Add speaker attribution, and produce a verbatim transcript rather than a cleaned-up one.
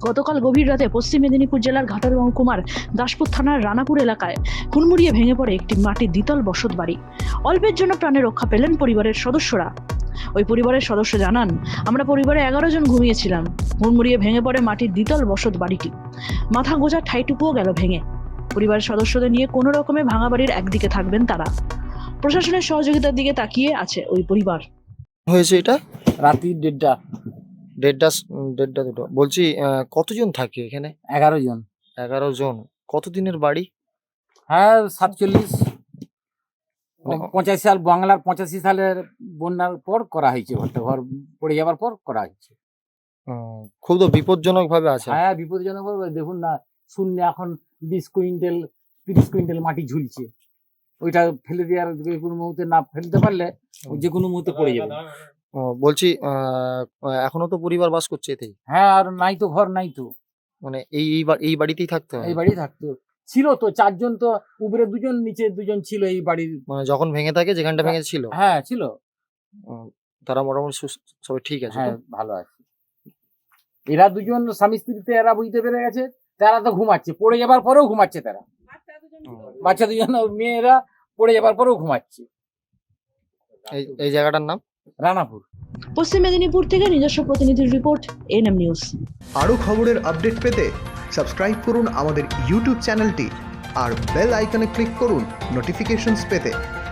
Speaker 1: গতকাল গভীর রাতে পশ্চিম মেদিনীপুর জেলার ঘাটাল মহকুমার দাসপুর থানার রানাপুর এলাকায় হুড়মুড়িয়ে ভেঙে পড়ে একটি মাটির দ্বিতল বসত বাড়ি। অল্পের জন্য প্রাণে রক্ষা পেলেন পরিবারের সদস্যরা। ওই পরিবারের সদস্য জানান, আমরা পরিবারে এগারো জন ঘুমিয়েছিলাম। হুড়মুড়িয়ে ভেঙে পড়ে মাটির দ্বিতল বসত বাড়িটি। মাথা গোঁজার ঠাইটুকুও গেল ভেঙে। পরিবারের সদস্যদের নিয়ে কোনো রকমে ভাঙা বাড়ির একদিকে থাকবেন তারা। প্রশাসনের সহযোগিতার দিকে তাকিয়ে আছে ওই পরিবার।
Speaker 2: হয়েছে এটা
Speaker 3: রাত্রি দেড়টা
Speaker 2: দেড়টা দেড়টা দুটো বলছি। আহ, কতজন থাকে এখানে?
Speaker 3: এগারো জন।
Speaker 2: এগারো জন। কতদিনের বাড়ি?
Speaker 3: হ্যাঁ, সাতচল্লিশ
Speaker 2: মানে-
Speaker 3: পঁচাশি সাল বাংলার পঁচাশি সালের বন্যার পর করা হয়েছে। ঘরটা ঘর পড়ে যাওয়ার পর করা হয়েছে।
Speaker 2: উম, খুব তো বিপজ্জনক ভাবে আছে।
Speaker 3: হ্যাঁ, বিপদজনক ভাবে। দেখুন না, শূন্য এখন বিশ কুইন্টাল তিরিশ কুইন্টাল মাটি ঝুলছে। ওইটা ফেলে দেওয়ার যে কোনো মুহূর্তে না ফেলতে পারলে ও যে কোনো মুহূর্তে পড়ে যাবে।
Speaker 2: ও, বলছি আহ, এখনো তো পরিবার বাস করছে এতেই?
Speaker 3: হ্যাঁ, আর নাই তো ঘর, নাই তো।
Speaker 2: মানে এই এই বা- এই বাড়িতেই থাকতে হয়?
Speaker 3: এই বাড়ি থাকতো, ছিল তো চারজন, তো উপরে দুজন নিচে দুজন ছিল এই বাড়ির।
Speaker 2: মানে যখন ভেঙে থাকে, যেখানটা ভেঙে ছিল,
Speaker 3: হ্যাঁ ছিল।
Speaker 2: উম, তারা মোটামুটি সুস- সবাই ঠিক আছে তো?
Speaker 3: হ্যাঁ, ভালো আছে। এরা দুজন স্বামী স্ত্রীতে এরা বুঝতে পেরে গেছে, তারা তো ঘুমাচ্ছে, পড়ে যাবার পরেও ঘুমাচ্ছে তারা। বাচ্চা দুজন মেয়েরা পড়ে যাবার পরেও ঘুমাচ্ছে।
Speaker 2: এই এই জায়গাটার নাম
Speaker 3: রানাপুর।
Speaker 1: পশ্চিম মেদিনীপুর থেকে নিজস্ব প্রতিনিধির রিপোর্ট, এনএম নিউজ।
Speaker 4: আরও খবরের আপডেট পেতে সাবস্ক্রাইব করুন আমাদের ইউটিউব চ্যানেলটি আর বেল আইকনে ক্লিক করুন নোটিফিকেশনস পেতে।